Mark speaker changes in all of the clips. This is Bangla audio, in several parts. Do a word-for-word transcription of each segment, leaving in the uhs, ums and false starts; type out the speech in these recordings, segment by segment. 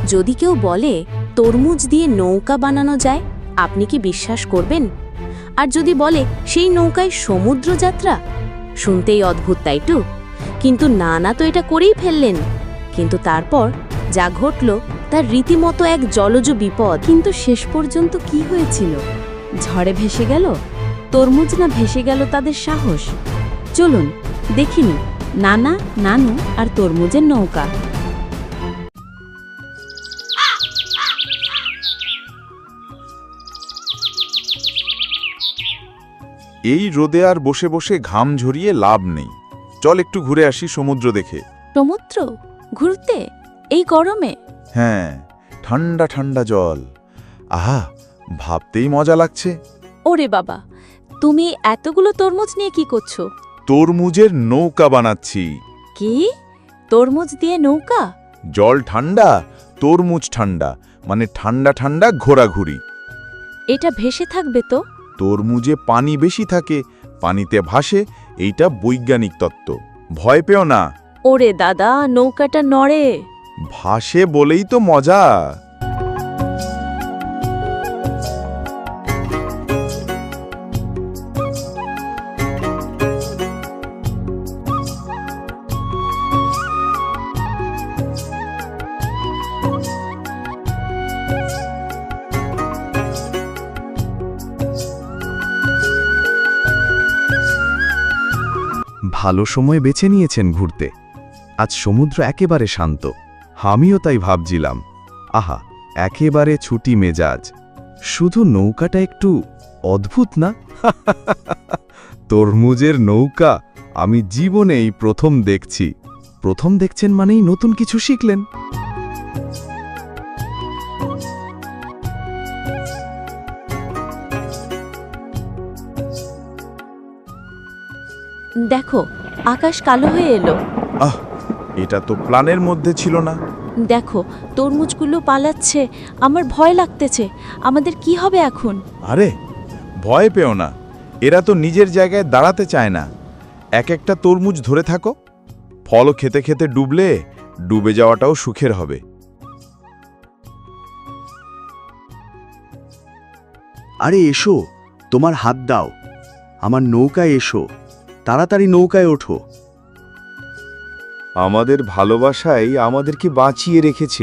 Speaker 1: যদি কেউ বলে তরমুজ দিয়ে নৌকা বানানো যায়, আপনি কি বিশ্বাস করবেন? আর যদি বলে সেই নৌকায় সমুদ্র যাত্রা, শুনতেই অদ্ভুত, তাই তো? কিন্তু নানা তো এটা করেই ফেললেন। কিন্তু তারপর যা ঘটল তার রীতিমতো এক জলজ বিপদ।
Speaker 2: কিন্তু শেষ পর্যন্ত কি হয়েছিল? ঝড়ে ভেসে গেল তরমুজ, না ভেসে গেল তাদের সাহস? চলুন দেখিনি নানা, নানু আর তরমুজের নৌকা।
Speaker 3: এই রোদে আর বসে বসে ঘাম ঝরিয়ে লাভ নেই। চল একটু ঘুরে আসি সমুদ্র দেখে।
Speaker 2: সমুদ্র ঘুরতে এই গরমে?
Speaker 3: হ্যাঁ, ঠান্ডা ঠান্ডা জল, আহা, ভাবতেই মজা লাগছে।
Speaker 2: ওরে বাবা, তুমি এতগুলো তরমুজ নিয়ে কি করছো?
Speaker 3: তরমুজের নৌকা বানাচ্ছি।
Speaker 2: কি? তরমুজ দিয়ে নৌকা?
Speaker 3: জল ঠান্ডা, তরমুজ ঠান্ডা, মানে ঠান্ডা ঠান্ডা ঘোরাঘুরি।
Speaker 2: এটা ভেসে থাকবে তো?
Speaker 3: তরমুজে পানি বেশি থাকে, পানিতে ভাসে, এইটা বৈজ্ঞানিক তত্ত্ব। ভয় পেও না,
Speaker 2: ওরে দাদা, নৌকাটা নড়ে।
Speaker 3: ভাসে বলেই তো মজা।
Speaker 4: ভালো সময় বেছে নিয়েছেন ঘুরতে। আজ সমুদ্র একেবারে শান্ত। আমিও তাই ভাবছিলাম, আহা, একেবারে ছুটি মেজাজ। শুধু নৌকাটা একটু অদ্ভুত না? তরমুজের নৌকা আমি জীবনেই প্রথম দেখছি। প্রথম দেখছেন মানেই নতুন কিছু শিখলেন।
Speaker 2: দেখো, আকাশ কালো হয়ে এলো।
Speaker 3: আহ, এটা তো প্ল্যানের মধ্যে ছিল না।
Speaker 2: দেখো, তরমুজগুলো পালাচ্ছে। আমার ভয় লাগতেছে। আমাদের কি হবে এখন?
Speaker 3: আরে ভয় পেও না, এরা তো নিজের জায়গায় দাঁড়াতে চায় না। এক একটা তরমুজ ধরে থাকো, ফল খেতে খেতে ডুবলে ডুবে যাওয়াটাও সুখের হবে।
Speaker 5: আরে এসো, তোমার হাত দাও, আমার নৌকায় এসো, তাড়াতাড়ি নৌকায় ওঠো।
Speaker 3: আমাদের ভালোবাসাই আমাদেরকে বাঁচিয়ে রেখেছে।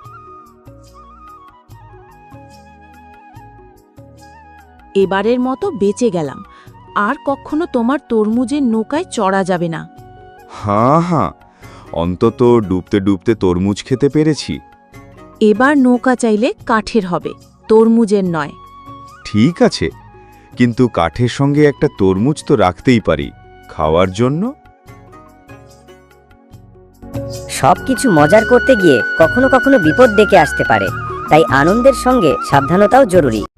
Speaker 2: এবারের মতো বেঁচে গেলাম। আর কখনো তোমার তরমুজের নৌকায় চড়া যাবে না।
Speaker 3: হ্যাঁ হ্যাঁ, অন্তত ডুবতে ডুবতে তরমুজ খেতে পেরেছি।
Speaker 2: এবার নৌকা চাইলে কাঠের হবে, তরমুজের নয়।
Speaker 3: ঠিক আছে, কিন্তু কাঠের সঙ্গে একটা তরমুজ তো রাখতেই পারি, খাওয়ার জন্য।
Speaker 6: সবকিছু মজার করতে গিয়ে কখনো কখনো বিপদ ডেকে আসতে পারে, তাই আনন্দের সঙ্গে সাবধানতাও জরুরি।